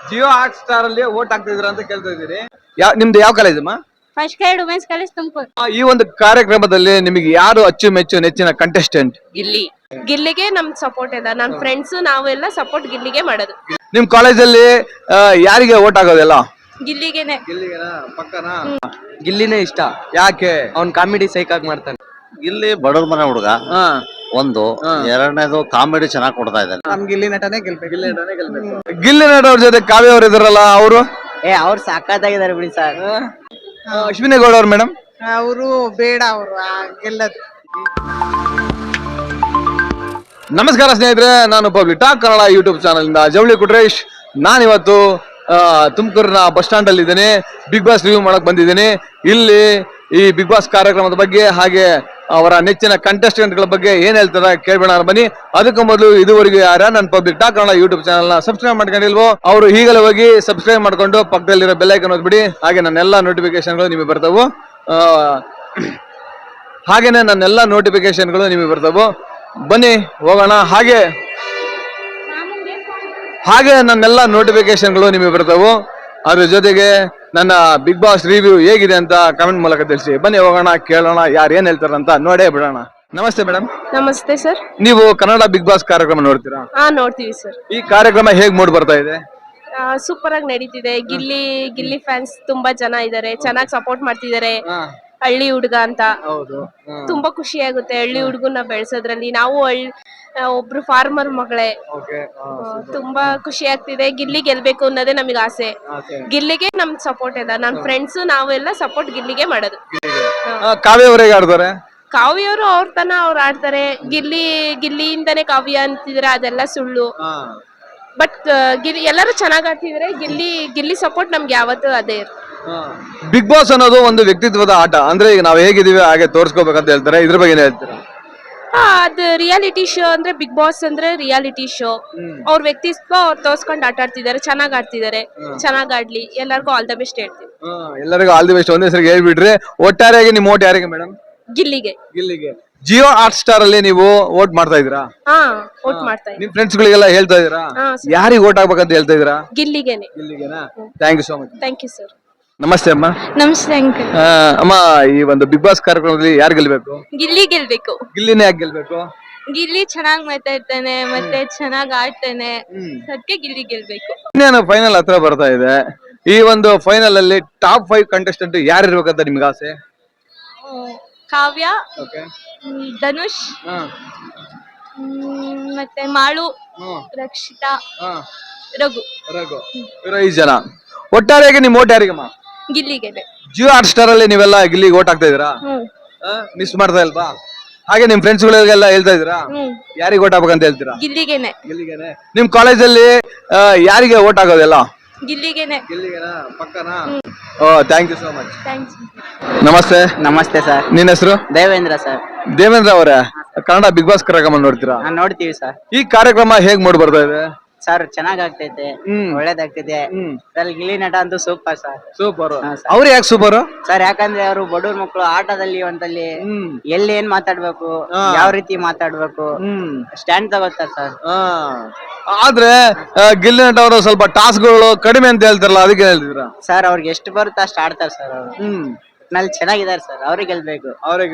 Jio Hotstar ಅಲ್ಲಿ vote ಹಾಕ್ತಿದ್ರ ಅಂತ ಕೇಳ್ತಾ ಇದ್ದೀರಿ. ನಿಮ್ದು ಯಾವ ಕಾಲೇಜ್ ಅಮ್ಮ? First grade women's college Tumakuru. ಈ ಒಂದು ಕಾರ್ಯಕ್ರಮದಲ್ಲಿ ನಿಮಗೆ ಯಾರು ಅಚ್ಚುಮೆಚ್ಚು ನೆಚ್ಚಿನ ಕಂಟೆಸ್ಟೆಂಟ್? ಗಿಲ್ಲಿಗೆ ನಮ್ ಸಪೋರ್ಟ್ ಇದೆ. ನಮ್ ಫ್ರೆಂಡ್ಸ್ ನಾವೆಲ್ಲ ಸಪೋರ್ಟ್ ಗಿಲ್ಲಿಗೆ ಮಾಡೋದು. ನಿಮ್ ಕಾಲೇಜಲ್ಲಿ ಯಾರಿಗೆ ವೋಟ್ ಆಗೋದೆಲ್ಲ? ಗಿಲ್ಲಿಗೆನೆ. ಗಿಲ್ಲಿನೇ ಇಷ್ಟ. ಯಾಕೆ? ಅವ್ನ್ ಕಾಮಿಡಿ ಸೈಕಾಗ್ ಮಾಡ್ತಾನೆ. ಇಲ್ಲಿ ಬಡವ್ರ ಮನೆ ಹುಡುಗ ಒಂದು, ಎರಡನೇದು ಕಾಮಿಡಿ ಚೆನ್ನಾಗಿ ಕೊಡ್ತಾ ಇದ್ದಾನೆ. ನಮ್ ಗಿಲ್ಲಿ ನಟನೇ ಗೆಲ್ಬೇಕು. ಗಿಲ್ಲಿ ನಟ ಅವ್ರ ಜೊತೆ ಕಾವ್ಯ ಅವ್ರು ಇದಾರಲ್ಲ, ಅವರು ಅವ್ರು ಸಾಕಾಗಿದ್ದಾರೆ ಬಿಡಿ ಸರ್. ಅಶ್ವಿನಿ ಗೌಡ ಅವ್ರು ಮೇಡಮ್? ಅವರು ಬೇಡ, ಅವರು ಗೆಲ್ಲದು. ನಮಸ್ಕಾರ ಸ್ನೇಹಿತರೆ, ನಾನು public talk Kannada YouTube channel ಇಂದ ಜವಳಿ ಕುಟ್ರೇಶ್. ನಾನಿವತ್ತು ತುಮಕೂರಿನ ಬಸ್ ಸ್ಟ್ಯಾಂಡ್ ಅಲ್ಲಿ ಇದ್ದೇನೆ. ಬಿಗ್ ಬಾಸ್ ರಿವ್ಯೂ ಮಾಡಕ್ ಬಂದಿದ್ದೀನಿ. ಇಲ್ಲಿ ಈ ಬಿಗ್ ಬಾಸ್ ಕಾರ್ಯಕ್ರಮದ ಬಗ್ಗೆ ಹಾಗೆ ಅವರ ನೆಚ್ಚಿನ ಕಂಟೆಸ್ಟೆಂಟ್ ಗಳ ಬಗ್ಗೆ ಏನ್ ಹೇಳ್ತಾರೆ ಕೇಳ್ಬೇಡ ಬನ್ನಿ. ಅದಕ್ಕೂ ಮೊದಲು ಇದುವರೆಗೂ ಯಾರ ನನ್ನ public talk Kannada YouTube channel ನ ಸಬ್ಸ್ಕ್ರೈಬ್ ಮಾಡ್ಕೊಂಡಿಲ್ವೋ ಅವರು ಈಗಲೇ ಹೋಗಿ ಸಬ್ಸ್ಕ್ರೈಬ್ ಮಾಡ್ಕೊಂಡು ಪಕ್ಕದಲ್ಲಿರೋ ಬೆಲ್ ಐಕಾನ್ ಒತ್ಬಿಡಿ. ಹಾಗೆ ನನ್ನೆಲ್ಲ ನೋಟಿಫಿಕೇಶನ್ಗಳು ನಿಮಗೆ ಬರ್ತಾವು. ಹಾಗೇನೆ ನನ್ನೆಲ್ಲ ನೋಟಿಫಿಕೇಶನ್ಗಳು ನಿಮಗೆ ಬರ್ತಾವು. ಬನ್ನಿ ಹೋಗೋಣ. ಹಾಗೆ ನನ್ನೆಲ್ಲ ನೋಟಿಫಿಕೇಶನ್ಗಳು ನಿಮಗೆ ಬರ್ತಾವು. ಅದ್ರ ಜೊತೆಗೆ ನನ್ನ ಬಿಗ್ ಬಾಸ್ ರಿವ್ಯೂ ಹೇಗಿದೆ ಅಂತ ಕಮೆಂಟ್ ಮೂಲಕ ತಿಳಿಸಿ. ಬನ್ನಿ ಹೋಗೋಣ, ಕೇಳೋಣ ಯಾರು ಏನ್ ಹೇಳ್ತಾರಂತ ನೋಡೇ ಬಿಡೋಣ. ನಮಸ್ತೆ ಮೇಡಮ್. ನಮಸ್ತೆ ಸರ್. ನೀವು ಕನ್ನಡ ಬಿಗ್ ಬಾಸ್ ಕಾರ್ಯಕ್ರಮ ನೋಡ್ತೀರಾ? ನೋಡ್ತೀವಿ ಸರ್. ಈ ಕಾರ್ಯಕ್ರಮ ಹೇಗ್ ಮೂಡ್ ಬರ್ತಾ ಇದೆ? ಸೂಪರ್ ಆಗಿ ನಡೀತಿದೆ. ಗಿಲ್ಲಿ ಫ್ಯಾನ್ಸ್ ತುಂಬಾ ಜನ ಇದಾರೆ, ಚೆನ್ನಾಗಿ ಸಪೋರ್ಟ್ ಮಾಡ್ತಿದ್ದಾರೆ. ಹಳ್ಳಿ ಹುಡುಗ ಅಂತ ತುಂಬಾ ಖುಷಿ ಆಗುತ್ತೆ. ಹಳ್ಳಿ ಹುಡುಗನ ಬೆಳೆಸೋದ್ರಲ್ಲಿ ನಾವು ಒಬ್ರು ಫಾರ್ಮರ್ ಮಗಳೇ. ತುಂಬಾ ಖುಷಿ ಆಗ್ತಿದೆ. ಗಿಲ್ಲಿ ಗೆಲ್ಬೇಕು ಅನ್ನೋದೇ ನಮಗೆ ಆಸೆ. ಗಿಲ್ಲಿಗೆ ನಮ್ ಸಪೋರ್ಟ್ ಇದೆ. ನಮ್ ಫ್ರೆಂಡ್ಸ್ ನಾವೆಲ್ಲ ಸಪೋರ್ಟ್ ಗಿಲ್ಲಿಗೆ ಮಾಡೋದು. ಕಾವ್ಯ ಅವರೇ ಆಡ್ತಾರೆ? ಕಾವ್ಯವರು ಅವ್ರ ತನ ಅವ್ರು ಆಡ್ತಾರೆ. ಗಿಲ್ಲಿಯಿಂದಾನೇ ಕಾವ್ಯ ಅಂತಿದ್ರೆ ಅದೆಲ್ಲ ಸುಳ್ಳು. ಬಟ್ ಎಲ್ಲರೂ ಚೆನ್ನಾಗ್ ಆಡ್ತಿದ್ರೆ ಗಿಲ್ಲಿ ಸಪೋರ್ಟ್ ನಮ್ಗೆ ಯಾವತ್ತೂ ಅದೇ ಇರುತ್ತೆ. ಬಿಗ್ ಬಾಸ್ ಅನ್ನೋದು ಒಂದು ವ್ಯಕ್ತಿತ್ವದ ಆಟ. ಅಂದ್ರೆ ಈಗ ನಾವ್ ಹೇಗಿದೀವಿ ಹಾಗೆ ತೋರ್ಸ್ಕೋಬೇಕಂತ ಹೇಳ್ತಾರೆ. ಇದ್ರ ಬಗ್ಗೆ ಏನ್ ಹೇಳ್ತೀರಾ? ಅದು ರಿಯಾಲಿಟಿ ಶೋ ಅಂದ್ರೆ ಬಿಗ್ ಬಾಸ್ ಅಂದ್ರೆ ರಿಯಾಲಿಟಿ ಶೋ. ಅವ್ರ ವ್ಯಕ್ತಿತ್ವ ಅವ್ರು ತೋರ್ಸ್ಕೊಂಡು ಆಟ ಆಡ್ತಿದ್ದಾರೆ, ಚೆನ್ನಾಗ್ ಆಡ್ತಿದ್ದಾರೆ. ಚೆನ್ನಾಗ್ ಆಡ್ಲಿ, ಎಲ್ಲರಿಗೂ ಆಲ್ ದ ಬೆಸ್ಟ್ ಹೇಳ್ತೀವಿ. ಎಲ್ಲರಿಗೂ ಆಲ್ ದಿ ಬೆಸ್ಟ್ ಒಂದೇ ಸರಿ ಹೇಳ್ಬಿಟ್ರಿ. ಒಟ್ಟಾರೆಯಾಗಿ ನಿಮ್ ಓಟ್ ಯಾರಿಗೆ ಮೇಡಮ್? ಗಿಲ್ಲಿಗೆ. ಜಿಯೋ ಹಾಟ್ ಸ್ಟಾರ್ ಅಲ್ಲಿ ನೀವು ವೋಟ್ ಮಾಡ್ತಾ ಇದ್ದೀರಾ? ವೋಟ್ ಮಾಡ್ತಾ ಇದ್ದೀವಿ. ನಿಮ್ ಫ್ರೆಂಡ್ಸ್ ಗಳಿಗೆಲ್ಲ ಹೇಳ್ತಾ ಇದೀರಾ ಯಾರಿಗೆ ವೋಟ್ ಹಾಕ್ಬೇಕಂತ ಹೇಳ್ತಾ ಇದೀರಾ? ಗಿಲ್ಲಿಗೆನೆ. Thank you so much. Thank you sir. ನಮಸ್ತೆ ಅಮ್ಮ. ನಮಸ್ತೆ ಅಂಕಲ್. ಅಮ್ಮ, ಈ ಒಂದು ಬಿಗ್ ಬಾಸ್ ಕಾರ್ಯಕ್ರಮದಲ್ಲಿ ಯಾರು ಗೆಲ್ಬೇಕು? ಗಿಲ್ಲಿ ಗೆಲ್ಬೇಕು. ಗಿಲ್ಲಿನೇ ಯಾಕೆ ಗೆಲ್ಬೇಕು? ಗಿಲ್ಲಿ ಚೆನ್ನಾಗ್ ಮಾತಾಡ್ತಾನೆ, ಮತ್ತೆ ಚೆನ್ನಾಗ್ ಆಡ್ತಾನೆ. ಅದಕ್ಕೆ ಗಿಲ್ಲಿ ಗೆಲ್ಬೇಕು. ಇನ್ನೇನು ಫೈನಲ್ ಹತ್ರ ಬರ್ತಾ ಇದೆ. ಈ ಒಂದು ಫೈನಲ್ ಅಲ್ಲಿ ಟಾಪ್ 5 ಕಂಟೆಸ್ಟೆಂಟ್ ಯಾರು ಇರ್ಬೇಕಂತ ನಿಮ್ಗೆ ಆಸೆ? ಕಾವ್ಯ, ಧನುಷ್, ಮತ್ತೆ ಮಾಳು, ರಕ್ಷಿತಾ, ರಘು. ಇರೋ 5 ಜನ. ಒಟ್ಟಾರೆಯಾಗಿ ನಿಮ್ ಓಟ್ ಯಾರಿಗಮ್ಮ? ಗಿಲ್ಲಿಗೆನೆ. ಜಿಯೋ ಹಾಟ್ ಸ್ಟಾರ್ ಅಲ್ಲಿ ನೀವೆಲ್ಲ ಗಿಲ್ಲಿಗೆ ಓಟ್ ಹಾಕ್ತಾ ಇದೀರಾ? ಮಿಸ್ ಮಾಡ್ತಾ ಇಲ್ವಾ? ಹಾಗೆ ನಿಮ್ ಫ್ರೆಂಡ್ಸ್ ಗಳಿಗೆಲ್ಲ ಹೇಳ್ತಾ ಇದೀರಾ ಯಾರಿಗೆ ಓಟ್ ಹಾಕ್ಬೇಕಂತ ಹೇಳ್ತೀರಾ? ಗಿಲ್ಲಿಗೆನೆ. ನಿಮ್ ಕಾಲೇಜಲ್ಲಿ ಯಾರಿಗೆ ಓಟ್ ಹಾಕೋದೆಲ್ಲ? ಗಿಲ್ಲಿಗೆನೆ. ಪಕ್ಕನಾ? Thank you so much. Thanks. ನಮಸ್ತೆ. ನಮಸ್ತೆ ಸರ್. ನಿನ್ನ ಹೆಸರು? ದೇವೇಂದ್ರ ಸರ್. ದೇವೇಂದ್ರ ಅವರೇ, ಕನ್ನಡ ಬಿಗ್ ಬಾಸ್ ಕಾರ್ಯಕ್ರಮ ನೋಡ್ತೀರಾ? ನೋಡ್ತೀವಿ ಸರ್. ಈ ಕಾರ್ಯಕ್ರಮ ಹೇಗ್ ಮೂಡ್ ಬರ್ತಾ ಇದೆ? ಸರ್ ಚೆನ್ನಾಗ್ ಆಗ್ತೈತೆ, ಒಳ್ಳೇದಾಗ್ತೈತೆ. ಗಿಲ್ಲಿ ನಟ ಅಂತೂ ಸೂಪರ್ ಸರ್. ಸೂಪರ್. ಅವ್ರು ಯಾಕೆ ಸೂಪರ್ ಸರ್? ಯಾಕಂದ್ರೆ ಅವರು ಬಡವ್ರ ಮಕ್ಕಳು ಆಟದಲ್ಲಿ ಒಂದಲ್ಲಿ ಎಲ್ಲಿ ಏನ್ ಮಾತಾಡ್ಬೇಕು, ಯಾವ ರೀತಿ ಮಾತಾಡ್ಬೇಕು, ಸ್ಟ್ಯಾಂಡ್ ತಗೋತಾರೆ ಸರ್. ಆದ್ರೆ ಗಿಲ್ಲಿ ನಟ ಅವರು ಸ್ವಲ್ಪ ಟಾಸ್ಕ್ಗಳು ಕಡಿಮೆ ಅಂತ ಹೇಳ್ತಾರಲ್ಲ, ಅದಕ್ಕೆ ಹೇಳ್ತಿದ್ರ? ಸರ್ ಅವ್ರಿಗೆ ಎಷ್ಟು ಬರುತ್ತೆ ಅಷ್ಟು ಆಡ್ತಾರೆ ಸರ್ ಅವರು. ನಲ್ಲಿ ಚೆನ್ನಾಗಿದ್ದಾರೆ ಸರ್. ಅವ್ರಿಗೆ ಗೆಲ್ಬೇಕು.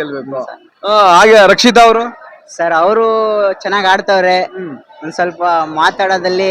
ಹಾಗೆ ರಕ್ಷಿತಾ ಅವರು? ಸರ್ ಅವರು ಚೆನ್ನಾಗ್ ಆಡ್ತವ್ರೆ. ಒಂದ್ ಸ್ವಲ್ಪ ಮಾತಾಡೋದಲ್ಲಿ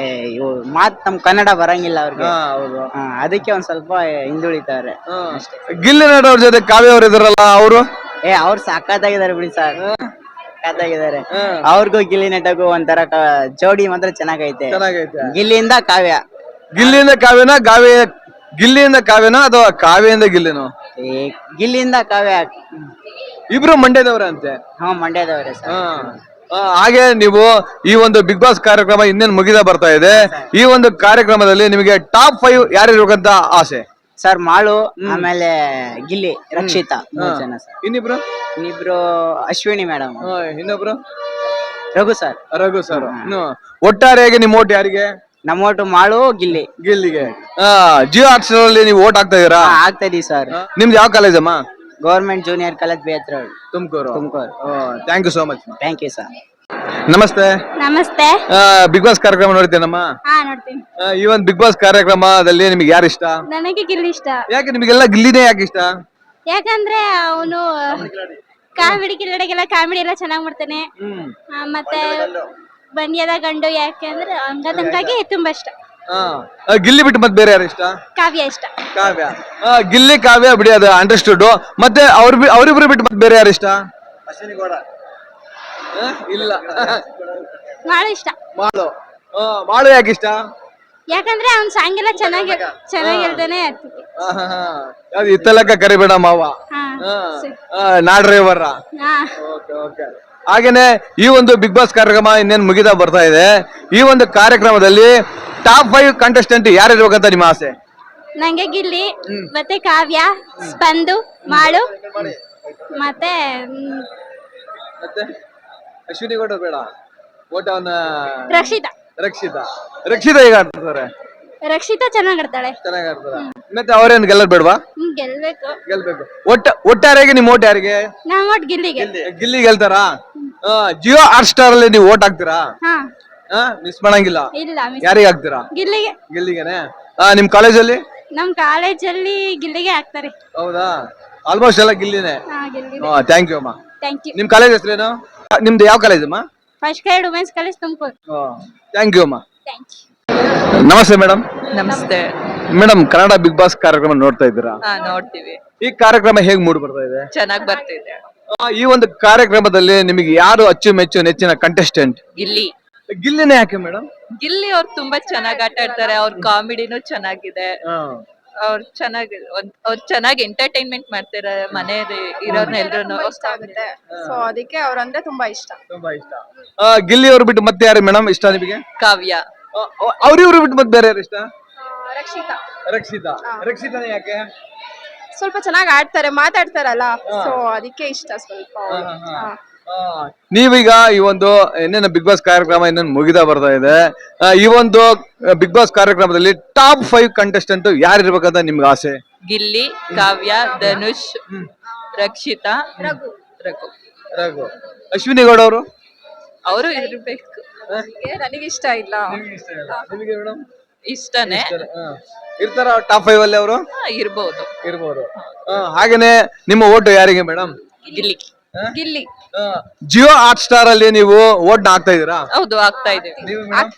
ನಮ್ ಕನ್ನಡ ಬರಂಗಿಲ್ಲ ಅವ್ರಿಗೆ. ಅದಕ್ಕೆ ಒಂದ್ ಸ್ವಲ್ಪ ಹಿಂದುಳಿತಾರೆ. ಗಿಲ್ಲಿ ನಟ ಅವ್ರ ಜೊತೆ ಕಾವ್ಯ ಅವ್ರು ಇದಾರಲ್ಲ, ಅವರು? ಅವ್ರು ಸಾಕಾಗಿದ್ದಾರೆ ಬಿಡಿ ಸರ್. ಸಾಕಾಗಿದ್ದಾರೆ. ಅವ್ರಿಗೂ ಗಿಲ್ಲಿ ನಟಗೂ ಒಂಥರ ಜೋಡಿ ಮಾತ್ರ ಚೆನ್ನಾಗೈತೆ. ಗಿಲ್ಲಿಯಿಂದ ಕಾವ್ಯ. ಗಿಲ್ಲಿಯಿಂದ ಕಾವ್ಯನ? ಗಿಲ್ಲಿಯಿಂದ ಕಾವ್ಯನ ಅಥವಾ ಕಾವ್ಯದಿಂದ ಗಿಲ್ಲಿನೋ? ಗಿಲ್ಲಿಯಿಂದ ಕಾವ್ಯ. ಇಬ್ರು ಮಂಡ್ಯದವ್ರ ಅಂತೆ? ಮಂಡ್ಯದವ್ರೆ ಸರ್. ಹಾಗೆ ನೀವು ಈ ಒಂದು ಬಿಗ್ ಬಾಸ್ ಕಾರ್ಯಕ್ರಮ ಇನ್ನೇನು ಮುಗಿದ ಬರ್ತಾ ಇದೆ. ಈ ಒಂದು ಕಾರ್ಯಕ್ರಮದಲ್ಲಿ ನಿಮಗೆ ಟಾಪ್ 5 ಯಾರು ಇರ್ಬೇಕಂತ ಆಸೆ? ಸರ್ ಮಾಳು, ಆಮೇಲೆ ಗಿಲ್ಲಿ, ರಕ್ಷಿತಾ, 3 ಜನ ಸರ್. ಇನ್ನಿಬ್ರು ಅಶ್ವಿನಿ ಮೇಡಮ್. ಇನ್ನೊಬ್ರು ರಘು ಸರ್. ಒಟ್ಟಾರೆಯಾಗಿ ನಿಮ್ ಓಟ್ ಯಾರಿಗೆ? ನಮ್ಮ ಓಟು ಮಾಳು, ಗಿಲ್ಲಿಗೆ. ಜಿಯೋ ಹಾಟ್ ಸ್ಟಾರ್ ಅಲ್ಲಿ ನೀವು ಓಟ್ ಹಾಕ್ತಾ ಇದೀರಾ? ಆಗ್ತಾ ಇದೀವಿ ಸರ್. ನಿಮ್ದು ಯಾವ ಕಾಲೇಜ್ ಅಮ್ಮ? ಗವರ್ಮೆಂಟ್ ಜೂನಿಯರ್ ಕಾಲೇಜ್, ಬೇತ್ರ, Tumakuru. Thank you so much. Thank you sir. ನಮಸ್ತೆ. ನಮಸ್ತೆ. ಬಿಗ್ ಬಾಸ್ ಕಾರ್ಯಕ್ರಮ ನೋಡ್ತೇನಮ್ಮ. ಹಾ, ನೋಡ್ತೀನಿ. ಈ ಒಂದು ಬಿಗ್ ಬಾಸ್ ಕಾರ್ಯಕ್ರಮದಲ್ಲಿ ನಿಮ್ಗೆ ಯಾರು ಇಷ್ಟ? ನನಗೆ ಗಿಲ್ಲಿ ಇಷ್ಟ. ಯಾಕೆ ನಿಮಗೆಲ್ಲ ಗಿಲ್ಲಿನೇ ಯಾಕೆ ಇಷ್ಟ? ಯಾಕಂದ್ರೆ ಅವನು ಕಾಮಿಡಿ ಕಿಲ್ಲಡಿಗೆಲ್ಲ ಕಾಮಿಡಿ ಎಲ್ಲ ಚೆನ್ನಾಗ್ ಮಾಡ್ತಾನೆ. ಮತ್ತೆ ಬಂಡ್ಯದ ಗಂಡು ಯಾಕೆಂದ್ರೆ ಹಂಗಾಗಿ ತುಂಬಾ ಇಷ್ಟ. ಗಿಲ್ಲಿ ಬಿಟ್ಟು ಮತ್ತೆ ಬೇರೆ ಯಾರು ಇಷ್ಟ? ಕಾವ್ಯ ಇಷ್ಟ. ಕಾವ್ಯ. ಗಿಲ್ಲಿ ಕಾವ್ಯ ಬಿಡಿ, ಅದು ಅಂಡರ್ಸ್ಟುಡ್. ಮತ್ತೆ ಅವ್ರಿಬ್ರು ಬಿಟ್ಟು ಮತ್ತೆ ಬೇರೆ ಯಾರು ಇಷ್ಟ? ಇಲ್ಲ. ಮಾಡು ಇಷ್ಟ. ಮಾಡು ಯಾಕೆ ಇಷ್ಟ? ಯಾಕಂದ್ರೆ ಅವ್ನ್ ಸಾಂಗ್ ಎಲ್ಲ ಚೆನ್ನಾಗಿ ಹೇಳ್ತಾನೆ. ಅದು ಇತ್ತಲಕ್ಕ ಕರಿಬೇಡ ಮಾವ, ನಾಡ್ರೇವರ. ಹಾಗೇನೆ ಈ ಒಂದು ಬಿಗ್ ಬಾಸ್ ಕಾರ್ಯಕ್ರಮ ಇನ್ನೇನು ಮುಗಿತಾ ಬರ್ತಾ ಇದೆ. ಈ ಒಂದು ಕಾರ್ಯಕ್ರಮದಲ್ಲಿ ಟಾಪ್ 5 ಕಂಟೆಸ್ಟೆಂಟ್ ಯಾರು ಇರ್ಬೇಕಂತ ನಿಮ್ಮ ಆಸೆ? ನಂಗೆ ಗಿಲ್ಲಿ, ಮತ್ತೆ ಕಾವ್ಯ, ಸ್ಪಂದು, ಮಾಡು, ಮತ್ತೆ ಅಶ್ವಿನಿ ಗೌಡ ಬೇಡ, ಓಟವನ್ನ ರಕ್ಷಿತಾ. ರಕ್ಷಿತಾ ಹೇಗೆ ಆಡ್ತಾರೆ? ರಕ್ಷಿತಾ ಚೆನ್ನಾಗ್ ಆಡ್ತಾಳೆ. ಚೆನ್ನಾಗಿ ಆಡ್ತಾರೆ. ಮತ್ತೆ ಅವ್ರೇನ್ ಗೆಲ್ಲದ್ ಬೇಡವಾ? ಗೆಲ್ಬೇಕು. ಒಟ್ಟಾರೆಗೆ ನಿಮ್ ಓಟ್ ಯಾರಿಗೆ? ನಾವ್ ಓಟ್ ಗಿಲ್ಲಿಗೆ. ಗಿಲ್ಲಿ ಗೆಲ್ತಾರಾ? ಜಿಯೋ ಹಾಟ್ ಸ್ಟಾರ್ ಅಲ್ಲಿ ನೀವು ಓಟ್ ಹಾಕ್ತೀರಾ? ಮಿಸ್ ಮಾಡಂಗಿಲ್ಲ. ಇಲ್ಲ, ಯಾರಿಗೆ ಹಾಕ್ತೀರಾ? ಗಿಲ್ಲಿಗೆನೆ. ನಿಮ್ ಕಾಲೇಜಲ್ಲಿ? ನಮ್ ಕಾಲೇಜಲ್ಲಿ ಗಿಲ್ಲಿಗೆ ಹಾಕ್ತಾರೆ. ಹೌದಾ? ಆಲ್ಮೋಸ್ಟ್ ಎಲ್ಲ ಗಿಲ್ಲಿನೇ. ಥ್ಯಾಂಕ್ ಯು ಅಮ್ಮ. Thank you. ನಿಮ್ ಕಾಲೇಜ್ ಹೆಸರೇನು? ನಿಮ್ದು ಯಾವ ಕಾಲೇಜ್ ಅಮ್ಮ? First grade women's college Tumakuru. Thank you ಅಮ್ಮ. Thank you. ನಮಸ್ತೆ ಮೇಡಮ್. ನಮಸ್ತೆ ಮೇಡಮ್, ಕನ್ನಡ ಬಿಗ್ ಬಾಸ್ ಕಾರ್ಯಕ್ರಮ ನೋಡ್ತಾ ಇದ್ದೀರಾ? ನೋಡ್ತೀವಿ. ಈ ಕಾರ್ಯಕ್ರಮ ಹೇಗ್ ಮೂಡ್ ಬರ್ತಾ ಇದೆ? ಚೆನ್ನಾಗ್ ಬರ್ತಿದೆ. ಈ ಒಂದು ಕಾರ್ಯಕ್ರಮದಲ್ಲಿ ನಿಮಗೆ ಯಾರು ಅಚ್ಚುಮೆಚ್ಚು ನೆಚ್ಚಿನ ಕಂಟೆಸ್ಟೆಂಟ್? ಗಿಲ್ಲಿನೇ ಯಾಕೆ ಮೇಡಮ್? ಗಿಲ್ಲಿ ಅವ್ರು ತುಂಬಾ ಚೆನ್ನಾಗ್ ಆಟ ಆಡ್ತಾರೆ. ಅವ್ರ ಕಾಮಿಡಿನೂ ಚೆನ್ನಾಗಿದೆ. ಅವ್ರು ಚೆನ್ನಾಗಿ ಎಂಟರ್ಟೈನ್ಮೆಂಟ್ ಮಾಡ್ತಾರೆ. ಮನೆಯಲ್ಲಿ ಇರೋರ್ನ ಎಲ್ರು ಇಷ್ಟ ಆಗುತ್ತೆ. ಸೊ ಅದಕ್ಕೆ ಅವ್ರಂದ್ರೆ ತುಂಬಾ ಇಷ್ಟ. ಗಿಲ್ಲಿ ಅವ್ರು ಬಿಟ್ಟು ಮತ್ತೆ ಯಾರು ಮೇಡಮ್ ಇಷ್ಟ ನಿಮಗೆ? ಕಾವ್ಯ. ಅವ್ರಿವ್ರು ಬಿಟ್ಟು ಮತ್ತೆ ಬೇರೆ ಯಾರು ಇಷ್ಟ? ರಕ್ಷಿತಾನೇ ಯಾಕೆ? ಸ್ವಲ್ಪ ಚೆನ್ನಾಗಿ ಆಡ್ತಾರೆ, ಮಾತಾಡ್ತಾರಲ್ಲ, ಸೊ ಅದಕ್ಕೆ ಇಷ್ಟ ಸ್ವಲ್ಪ. ನೀವೀಗ ಈ ಒಂದು ಇನ್ನೇನು ಬಿಗ್ ಬಾಸ್ ಕಾರ್ಯಕ್ರಮ ಇನ್ನೇನು ಮುಗಿತಾ ಬರ್ತಾ ಇದೆ. ಈ ಒಂದು ಬಿಗ್ ಬಾಸ್ ಕಾರ್ಯಕ್ರಮದಲ್ಲಿ ಟಾಪ್ 5 ಕಂಟೆಸ್ಟೆಂಟ್ ಯಾರು ಇರ್ಬೇಕಂತ ನಿಮ್ಗೆ ಆಸೆ? ಗಿಲ್ಲಿ, ಕಾವ್ಯ, ಧನುಷ್, ರಕ್ಷಿತಾ, ರಘು. ಅಶ್ವಿನಿ ಗೌಡ ಅವರು ಇರ್ಬೇಕು. ನನಗೆ ಇಷ್ಟ ಇಲ್ಲ. ನಿಮಗೆ ಮೇಡಮ್? ಇಷ್ಟನೇ. ಇರ್ತಾರ ಟಾಪ್ 5 ಅಲ್ಲಿ ಅವರು? ಇರ್ಬೋದು. ಹಾಗೇನೆ ನಿಮ್ಮ ಓಟು ಯಾರಿಗೆ madam? Gilli. Jio Hotstar ಅಲ್ಲಿ ನೀವು ಓಟ್ ಹಾಕ್ತಾ ಇದೀರಾ? ಹೌದು, ಆಗ್ತಾ ಇದೀವಿ.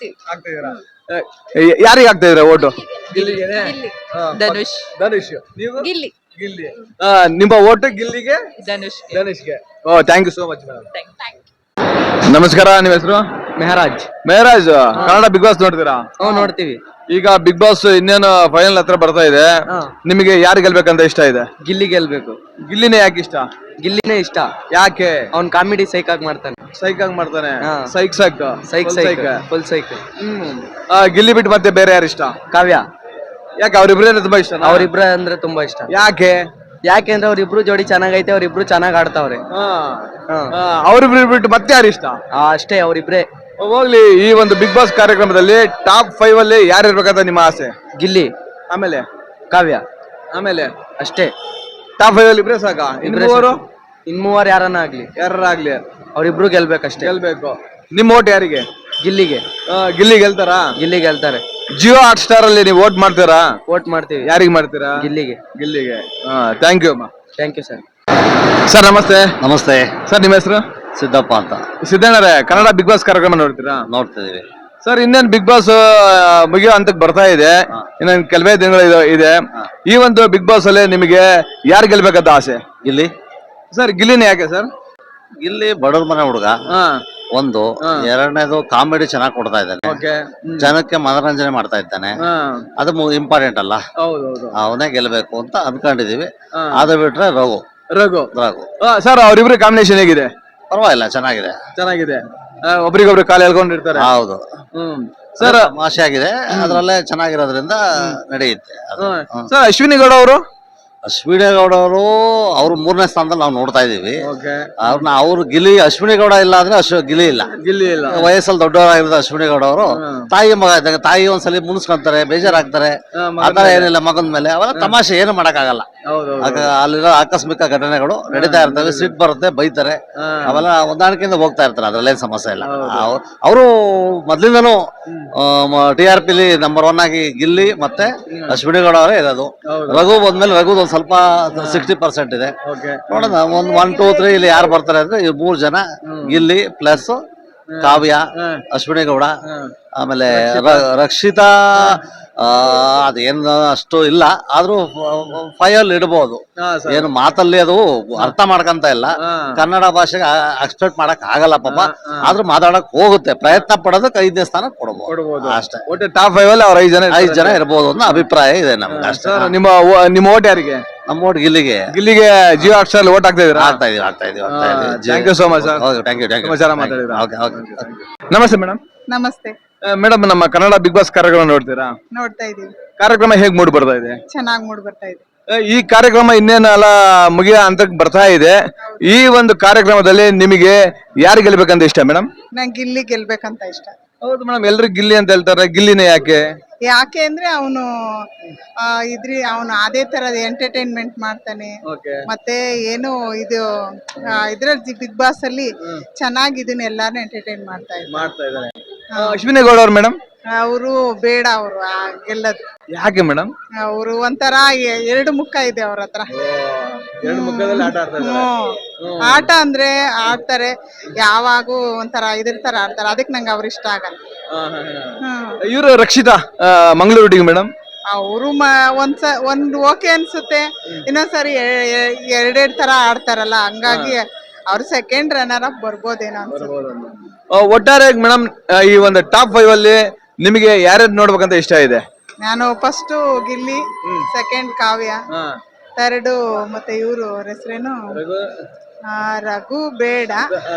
ಯಾರಿಗೆ ಹಾಕ್ತಾ ಇದೀರಾ ಓಟು? ಧನುಷ್. ನೀವು? ಗಿಲ್ಲಿ. ನಿಮ್ಮ ಓಟು ಗಿಲ್ಲಿಗೆ, ಧನುಷ್ಗೆ. Thank you so much madam. ನಮಸ್ಕಾರ, ನಿಮ್ಮ ಹೆಸರು? ಮೆಹರಾಜ್. ಕನ್ನಡ ಬಿಗ್ ಬಾಸ್ ನೋಡ್ತೀರಾ? ನೋಡ್ತೀವಿ. ಈಗ ಬಿಗ್ ಬಾಸ್ ಇನ್ನೇನು ಫೈನಲ್ ಹತ್ರ ಬರ್ತಾ ಇದೆ. ನಿಮಗೆ ಯಾರು ಗೆಲ್ಬೇಕಂತ ಇಷ್ಟ ಇದೆ? ಗಿಲ್ಲಿ ಗೆಲ್ಬೇಕು. ಗಿಲ್ಲಿನೇ ಯಾಕೆ ಇಷ್ಟ? ಗಿಲ್ಲಿನೇ ಇಷ್ಟ. ಯಾಕೆ? ಅವ್ನ್ ಕಾಮಿಡಿ ಸೈಕ್ ಆಗಿ ಮಾಡ್ತಾನೆ. Full psych. ಗಿಲ್ಲಿ ಬಿಟ್ಟು ಮತ್ತೆ ಬೇರೆ ಯಾರು ಇಷ್ಟ? ಕಾವ್ಯ. ಯಾಕೆ? ಅವ್ರಿಬ್ರೇ ತುಂಬಾ ಇಷ್ಟ? ಅವ್ರಿಬ್ರ ಅಂದ್ರೆ ತುಂಬಾ ಇಷ್ಟ. ಯಾಕೆಂದ್ರೆ ಅವ್ರಿಬ್ರು ಜೋಡಿ ಚೆನ್ನಾಗೈತೆ. ಅವ್ರಿಬ್ರು ಚೆನ್ನಾಗ್ ಆಡ್ತಾವ್ರೆ. ಅವ್ರಿಬ್ರು ಬಿಟ್ಟು ಮತ್ತೆ ಯಾರು ಇಷ್ಟ? ಅಷ್ಟೇ, ಅವ್ರಿಬ್ರೇ. ಹೋಗ್ಲಿ. ಈ ಒಂದು ಬಿಗ್ ಬಾಸ್ ಕಾರ್ಯಕ್ರಮದಲ್ಲಿ ಟಾಪ್ 5 ಅಲ್ಲಿ ಯಾರು ಇರ್ಬೇಕಂತ ನಿಮ್ಮ ಆಸೆ? ಗಿಲ್ಲಿ, ಆಮೇಲೆ ಕಾವ್ಯ, ಆಮೇಲೆ ಅಷ್ಟೇ. ಟಾಪ್ 5 ಅಲ್ಲಿ ಇಬ್ರೇ ಸಾಕ? ಇನ್ಮೂವರು ಯಾರನ್ನ ಆಗ್ಲಿ ಅವ್ರಿಬ್ರು ಗೆಲ್ಬೇಕಷ್ಟೇ. ಗೆಲ್ಬೇಕು. ನಿಮ್ ಓಟ್ ಯಾರಿಗೆ? ಗಿಲ್ಲಿಗೆ. ಗಿಲ್ಲಿ ಗೆಲ್ತಾರಾ? ಗಿಲ್ಲಿ ಗೆಲ್ತಾರೆ. ಜಿಯೋ ಹಾಟ್ ಸ್ಟಾರ್ ಅಲ್ಲಿ ನೀವು ಓಟ್ ಮಾಡ್ತೀರಾ? ಓಟ್ ಮಾಡ್ತೀವಿ. ಯಾರಿಗೆ ಮಾಡ್ತೀರಾ? ಗಿಲ್ಲಿಗೆ. ಥ್ಯಾಂಕ್ ಯು ಅಮ್ಮ. Thank you sir. ಸರ್ ನಮಸ್ತೆ. ನಮಸ್ತೆ ಸರ್, ನಿಮ್ಮ ಹೆಸರು? ಸಿದ್ದಪ್ಪ ಅಂತ. ಸಿದ್ದಣ್ಣರೇ, ಕನ್ನಡ ಬಿಗ್ ಬಾಸ್ ಕಾರ್ಯಕ್ರಮ ನೋಡ್ತೀರಾ? ನೋಡ್ತಿದೀವಿ ಸರ್. ಇನ್ನೇನು ಬಿಗ್ ಬಾಸ್ ಮುಗಿಯೋ ಹಂತಕ್ಕೆ ಬರ್ತಾ ಇದೆ. ಇನ್ನೊಂದು ಕೆಲವೇ ದಿನಗಳು ಇದೆ. ಈ ಒಂದು ಬಿಗ್ ಬಾಸ್ ಅಲ್ಲಿ ನಿಮಗೆ ಯಾರು ಗೆಲ್ಬೇಕಂತ ಆಸೆ? ಗಿಲ್ಲಿ ಸರ್. ಗಿಲ್ಲಿನೇ ಯಾಕೆ ಸರ್? ಗಿಲ್ಲಿ ಬಡವ್ರ ಮನೆ ಹುಡುಗ. ಒಂದು ಎರಡನೇದು ಕಾಮಿಡಿ ಚೆನ್ನಾಗಿ ಕೊಡ್ತಾ ಇದ್ದಾನೆ. ಜನಕ್ಕೆ ಮನೋರಂಜನೆ ಮಾಡ್ತಾ ಇದ್ದಾನೆ. ಅದು ಇಂಪಾರ್ಟೆಂಟ್ ಅಲ್ಲ. ಅವನೇ ಗೆಲ್ಬೇಕು ಅಂತ ಅನ್ಕೊಂಡಿದೀವಿ. ಅದು ಬಿಟ್ರೆ ರಘು. ಸರ್, ಅವ್ರಿಬ್ರು ಕಾಂಬಿನೇಷನ್ ಹೇಗಿದೆ? ಪರವಾಗಿಲ್ಲ, ಚೆನ್ನಾಗಿದೆ. ಒಬ್ರಿಗೊಬ್ರು ಕಾಲು ಎಳ್ಕೊಂಡಿರ್ತಾರೆ. ಹೌದು ಸರ್. ತಮಾಷೆ ಆಗಿದೆ. ಅದ್ರಲ್ಲೇ ಚೆನ್ನಾಗಿರೋದ್ರಿಂದ ನಡೆಯುತ್ತೆ. ಸರ್, ಅಶ್ವಿನಿ ಗೌಡ ಅವರು ಅಶ್ವಿನಿ ಗೌಡ ಅವರು ಅವ್ರು 3ನೇ ಸ್ಥಾನದಲ್ಲಿ ನಾವು ನೋಡ್ತಾ ಇದೀವಿ. ಓಕೆ. ಅವ್ರು ಗಿಲಿ ಅಶ್ವಿನಿ ಗೌಡ ಇಲ್ಲ ಅಂದ್ರೆ ಗಿಲಿ ಇಲ್ಲ. ಗಿಲ್ಲಿ ಇಲ್ಲ. ವಯಸ್ಸಲ್ಲಿ ದೊಡ್ಡವರಾಗಿರೋದು ಅಶ್ವಿನಿ ಗೌಡ ಅವರು ತಾಯಿ ಮಗ ಇದ್ದಾಗ ತಾಯಿ ಒಂದ್ಸಲಿ ಮುನ್ಸ್ಕೊಂತಾರೆ, ಬೇಜಾರಾಗ್ತಾರೆ. ಆತರ ಏನಿಲ್ಲ ಮಗನ ಮೇಲೆ. ಅವೆಲ್ಲ ತಮಾಷೆ, ಏನು ಮಾಡಕ್ಕಾಗಲ್ಲ. ಅಲ್ಲಿರೋ ಆಕಸ್ಮಿಕ ಘಟನೆಗಳು ನಡೀತಾ ಇರ್ತವೆ, ಸಿಟ್ ಬರುತ್ತೆ, ಬೈತಾರೆ, ಅವೆಲ್ಲ ಹೊಂದಾಣಿಕೆಯಿಂದ ಹೋಗ್ತಾ ಇರ್ತಾರೆ, ಅದ್ರಲ್ಲೇನ್ ಸಮಸ್ಯೆ ಇಲ್ಲ. ಅವರು ಮೊದ್ಲಿಂದನೂ TRP ನಂಬರ್ 1 ಆಗಿ ಗಿಲ್ಲಿ ಮತ್ತೆ ಅಶ್ವಿನಿ ಗೌಡ ಅವರೇ ಇರೋದು. ರಘು ಬಂದ್ಮೇಲೆ ರಘುದ್ ಒಂದ್ ಸ್ವಲ್ಪ 60% ಇದೆ. ನೋಡೋಣ, 1, 2, 3 ಇಲ್ಲಿ ಯಾರು ಬರ್ತಾರೆ ಅಂದ್ರೆ ಈ 3 ಜನ, ಗಿಲ್ಲಿ ಪ್ಲಸ್ ಕಾವ್ಯ, ಅಶ್ವಿನಿ ಗೌಡ, ಆಮೇಲೆ ರಕ್ಷಿತಾ. ಅದೇನು ಅಷ್ಟು ಇಲ್ಲ, ಆದ್ರೂ 5 ಅಲ್ಲಿ ಇಡಬಹುದು. ಏನು ಮಾತಲ್ಲಿ ಅದು ಅರ್ಥ ಮಾಡ್ಕಂತ ಇಲ್ಲ, ಕನ್ನಡ ಭಾಷೆಗೆ ಎಕ್ಸ್ಪೆಕ್ಟ್ ಮಾಡಕ್ ಆಗಲ್ಲ ಪಾಪ. ಆದ್ರೂ ಮಾತಾಡಕ್ ಹೋಗುತ್ತೆ, ಪ್ರಯತ್ನ ಪಡೋದಕ್ಕೆ 5ನೇ ಸ್ಥಾನ ಕೊಡಬಹುದು ಅಷ್ಟೇ. ಒಟ್ಟು ಟಾಪ್ 5 ಅಲ್ಲಿ ಅವ್ರ 5 ಜನ ಇರಬಹುದು ಅನ್ನೋ ಅಭಿಪ್ರಾಯ ಇದೆ ನಮ್ಗೆ ಅಷ್ಟೇ. ನಿಮ್ಮ ಓಟ್ ಯಾರಿಗೆ? ನಮ್ಮ ಓಟ್ ಗಿಲ್ಲಿಗೆ. ಜಿಯೋ ಹಾಟ್ಸ್ಟಾರ್ ಓಟ್ ಹಾಕ್ತಾ ಇದೀರಾ? ಆಗ್ತಾ ಇದೀವಿ. Thank you so much sir. Thank you. ತುಂಬಾ ಚೆನ್ನಾಗಿ ಮಾತಾಡಿದ್ರಾ. ನಮಸ್ತೆ ಮೇಡಮ್. ನಮಸ್ತೆ. ಮೇಡಮ್, ನಮ್ಮ ಕನ್ನಡ ಬಿಗ್ ಬಾಸ್ ಕಾರ್ಯಕ್ರಮ ನೋಡ್ತೀರಾ? ನೋಡ್ತಾ ಇದೀವಿ. ಕಾರ್ಯಕ್ರಮ ಹೇಗ್ ಮೂಡ್ ಬರ್ತಾ ಇದೆ? ಚೆನ್ನಾಗಿ ಮೂಡ್ ಬರ್ತಾ ಇದೆ. ಈ ಕಾರ್ಯಕ್ರಮ ಇನ್ನೇನಲ್ಲ ಮುಗಿಯ ಹಂತಕ್ಕೆ ಬರ್ತಾ ಇದೆ. ಈ ಒಂದು ಕಾರ್ಯಕ್ರಮದಲ್ಲಿ ನಿಮಗೆ ಯಾರು ಗೆಲ್ಬೇಕಂತ ಇಷ್ಟ ಮೇಡಮ್? ನಂಗೆ ಗಿಲ್ಲಿ ಗೆಲ್ಬೇಕಂತ ಇಷ್ಟ. ಹೌದು ಮೇಡಮ್, ಎಲ್ರು ಗಿಲ್ಲಿ ಅಂತ ಹೇಳ್ತಾರೆ. ಗಿಲ್ಲಿನೇ ಯಾಕೆ? ಯಾಕೆ ಅಂದ್ರೆ ಅವನು ಅವನು ಅದೇ ತರದ ಎಂಟರ್ಟೈನ್ಮೆಂಟ್ ಮಾಡ್ತಾನೆ. ಮತ್ತೆ ಏನು ಇದು ಇದ್ರಲ್ಲಿ ಬಿಗ್ ಬಾಸ್ ಅಲ್ಲಿ ಚೆನ್ನಾಗಿ ಇದನ್ನ ಎಲ್ಲಾನು ಎಂಟರ್ಟೈನ್ ಮಾಡ್ತಾ ಇದ್ದಾರೆ. ಅಶ್ವಿನಿ ಗೌಡ ಅವ್ರು ಮೇಡಮ್? ಅವರು ಬೇಡ, ಅವರು ಗೆಲ್ಲದು. ಯಾಕೆ ಮೇಡಮ್? ಅವರು ಒಂಥರ 2 ಮುಖ ಇದೆ ಅವ್ರ ಹತ್ರ. ಆಟ ಅಂದ್ರೆ ಆಡ್ತಾರೆ, ಯಾವಾಗೂ ಒಂಥರ ಇದ್ರ ತರ ಆಡ್ತಾರೆ. ಅದಕ್ಕೆ ನಂಗೆ ಅವ್ರು ಇಷ್ಟ ಆಗಲ್ಲ. ಇವರು ರಕ್ಷಿತಾ ಮಂಗಳೂರು ಮೇಡಮ್? ಅವರು ಒಂದ್ ಓಕೆ ಅನ್ಸುತ್ತೆ, ಇನ್ನೊಂದ್ಸರಿ 2 ತರ ಆಡ್ತಾರಲ್ಲ, ಹಂಗಾಗಿ ಅವ್ರು ಸೆಕೆಂಡ್ ರನ್ನರ್ ಅಪ್ ಬರ್ಬೋದೇನೋ ಅನ್ಸುತ್ತೆ. ಒಟ್ಟಾರೆ ಮೇಡಮ್, ಈ ಒಂದು ಟಾಪ್ 5 ಅಲ್ಲಿ ನಿಮಗೆ ಯಾರ್ಯಾರು ನೋಡ್ಬೇಕಂತ ಇಷ್ಟ ಇದೆ? ನಾನು first Gilli, second Kavya, third ಮತ್ತೆ ಇವರು ಹೆಸರೇನು ರಘು ಬೇಡ,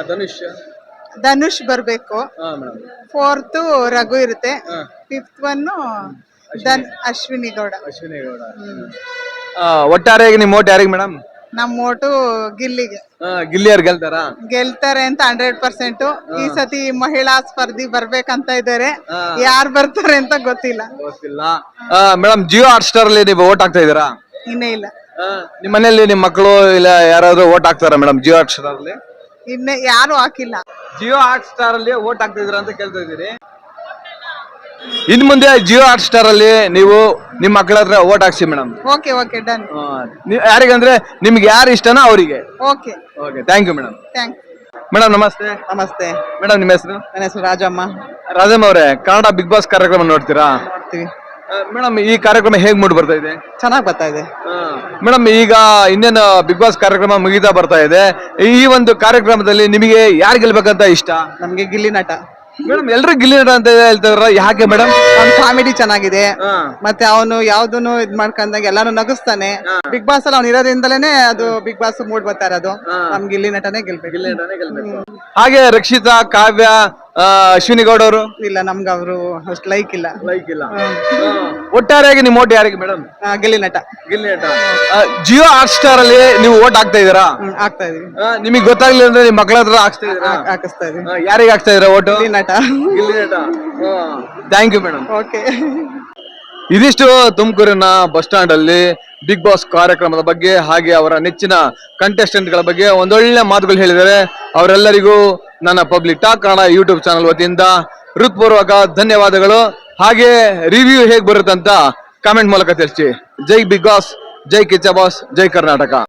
ಧನುಷ್ ಬರ್ಬೇಕು, 4th ರಘು ಇರುತ್ತೆ, 5th ಅಶ್ವಿನಿ ಗೌಡ. ಒಟ್ಟಾರೆಯಾಗಿ ನಿಮ್ಮ ಓಟ್ ಯಾರಿಗೆ ಮೇಡಮ್? ನಮ್ಮ ಓಟು ಗಿಲ್ಲಿಗೆ. ಗಿಲ್ಲಿ ಯಾರು ಗೆಲ್ತಾರಾ? ಗೆಲ್ತಾರೆ ಅಂತ 100%. ಈ ಸತಿ ಮಹಿಳಾ ಸ್ಪರ್ಧಿ ಬರ್ಬೇಕಂತ ಇದ್ದಾರೆ, ಯಾರು ಬರ್ತಾರೆ ಅಂತ ಗೊತ್ತಿಲ್ಲ. ಮೇಡಮ್, ಜಿಯೋ ಹಾಟ್ಸ್ಟಾರ್ ಅಲ್ಲಿ ನೀವು ಓಟ್ ಹಾಕ್ತಾ ಇದೀರಾ? ಇನ್ನೇ ಇಲ್ಲ. ನಿಮ್ಮ ಮನೆಯಲ್ಲಿ ನಿಮ್ಮ ಮಕ್ಕಳು ಇಲ್ಲ ಯಾರಾದ್ರೂ ಓಟ್ ಹಾಕ್ತಾರಾ ಮೇಡಮ್ ಜಿಯೋ ಹಾಟ್ಸ್ಟಾರ್ ಅಲ್ಲಿ? ಇನ್ನೇ ಯಾರು ಹಾಕಿಲ್ಲ. ಜಿಯೋ ಹಾಟ್ಸ್ಟಾರ್ ಅಲ್ಲಿ ಓಟ್ ಹಾಕ್ತಾ ಇದೀರಾ ಅಂತ ಕೇಳ್ತಾ ಇದೀರಿ. ಇನ್ ಮುಂದೆ ಜಿಯೋ ಹಾಟ್ಸ್ಟಾರ್ ಅಲ್ಲಿ ನೀವು ನಿಮ್ಮ ಮಕ್ಕಳ ಹತ್ರ ಓಟ್ ಹಾಕ್ಸಿ ಮೇಡಮ್. Okay done. ಯಾರಿಗಂದ್ರೆ ನಿಮ್ಗೆ ಯಾರು ಇಷ್ಟನೋ ಅವರಿಗೆ. Okay. Thank you madam. Madam ನಮಸ್ತೆ. ನಮಸ್ತೆ ಮೇಡಮ್, ನಿಮ್ಮ ಹೆಸರು? ನನ್ನ ಹೆಸರು ರಾಜಮ್ಮ. ರಾಜಮ್ಮ ಅವರೇ, ಕನ್ನಡ ಬಿಗ್ ಬಾಸ್ ಕಾರ್ಯಕ್ರಮ ನೋಡ್ತೀರಾ? ನೋಡ್ತೀವಿ ಮೇಡಮ್. ಈ ಕಾರ್ಯಕ್ರಮ ಹೇಗ್ ಮೂಡ್ ಬರ್ತಾ ಇದೆ? ಚೆನ್ನಾಗಿ ಬರ್ತಾ ಇದೆ ಮೇಡಮ್. ಈಗ ಇನ್ನೇನು ಬಿಗ್ ಬಾಸ್ ಕಾರ್ಯಕ್ರಮ ಮುಗಿತಾ ಬರ್ತಾ ಇದೆ. ಈ ಒಂದು ಕಾರ್ಯಕ್ರಮದಲ್ಲಿ ನಿಮಗೆ ಯಾರು ಗೆಲ್ಬೇಕಂತ ಇಷ್ಟ? ನಮ್ಗೆ ಗಿಲ್ಲಿ ನಟ. ಮೇಡಮ್, ಎಲ್ರು ಗಿಲ್ಲಿ ನಟ ಅಂತ ಹೇಳ್ತಾರ, ಯಾಕೆ ಮೇಡಮ್? ಅವ್ನ ಕಾಮಿಡಿ ಚೆನ್ನಾಗಿದೆ, ಮತ್ತೆ ಅವನು ಯಾವ್ದನ್ನು ಇದ್ ಮಾಡ್ಕೊಂಡಾಗ ಎಲ್ಲಾನು ನಗಿಸ್ತಾನೆ. ಬಿಗ್ ಬಾಸ್ ಅಲ್ಲಿ ಅವ್ನು ಇರೋದ್ರಿಂದಲೇನೆ ಅದು ಬಿಗ್ ಬಾಸ್ ಮೂಡ್ ಬರ್ತಾ ಇರೋದು. ನಮ್ ಗಿಲ್ಲಿ ನಟನೇ ಗೆಲ್ಬೇಕು. ಹಾಗೆ ರಕ್ಷಿತಾ, ಕಾವ್ಯ, ಅಶ್ವಿನಿ ಗೌಡ ಅವರು? ಇಲ್ಲ, ನಮ್ಗೆ ಅವರು ಅಷ್ಟು ಲೈಕ್ ಇಲ್ಲ. ಒಟ್ಟಾರೆಯಾಗಿ ನಿಮ್ಮ ಓಟ್ ಯಾರಿಗೆ ಮೇಡಮ್? ಗಿಲ್ಲಿ ನಟ. ಗಿಲ್ಲಿ ನಟ. ಜಿಯೋ ಹಾಟ್ಸ್ಟಾರ್ ಅಲ್ಲಿ ನೀವು ಓಟ್ ಹಾಕ್ತಾ ಇದೀರಾ? ಆಗ್ತಾ ಇದೀವಿ. ನಿಮಗೆ ಗೊತ್ತಾಗ್ಲಿಲ್ಲ ಅಂದ್ರೆ ನಿಮ್ಮ ಮಕ್ಕಳ ಹತ್ರ ಹಾಕಿಸ್ತಾ ಇದೀವಿ. ಯಾರಿಗೆ ಹಾಕ್ತಾ ಇದೀರಾ ಓಟು? ಗಿಲ್ಲಿ ನಟ. Thank you madam. ಓಕೆ. ಇದಿಷ್ಟು ತುಮಕೂರಿನ ಬಸ್ ಸ್ಟಾಂಡ್ ಅಲ್ಲಿ ಬಿಗ್ ಬಾಸ್ ಕಾರ್ಯಕ್ರಮದ ಬಗ್ಗೆ, ಹಾಗೆ ಅವರ ನೆಚ್ಚಿನ ಕಂಟೆಸ್ಟೆಂಟ್ ಗಳ ಬಗ್ಗೆ ಒಂದೊಳ್ಳೆ ಮಾತುಗಳು ಹೇಳಿದ್ದಾರೆ. ಅವರೆಲ್ಲರಿಗೂ ನನ್ನ public talk Kannada YouTube channel ವತಿಯಿಂದ ಹೃತ್ಪೂರ್ವಕ ಧನ್ಯವಾದಗಳು. ಹಾಗೆ ರಿವ್ಯೂ ಹೇಗ್ ಬರುತ್ತಂತ ಕಾಮೆಂಟ್ ಮೂಲಕ ತಿಳಿಸಿ. ಜೈ ಬಿಗ್ ಬಾಸ್, ಜೈ ಕಿಚ್ಚ ಬಾಸ್, ಜೈ ಕರ್ನಾಟಕ.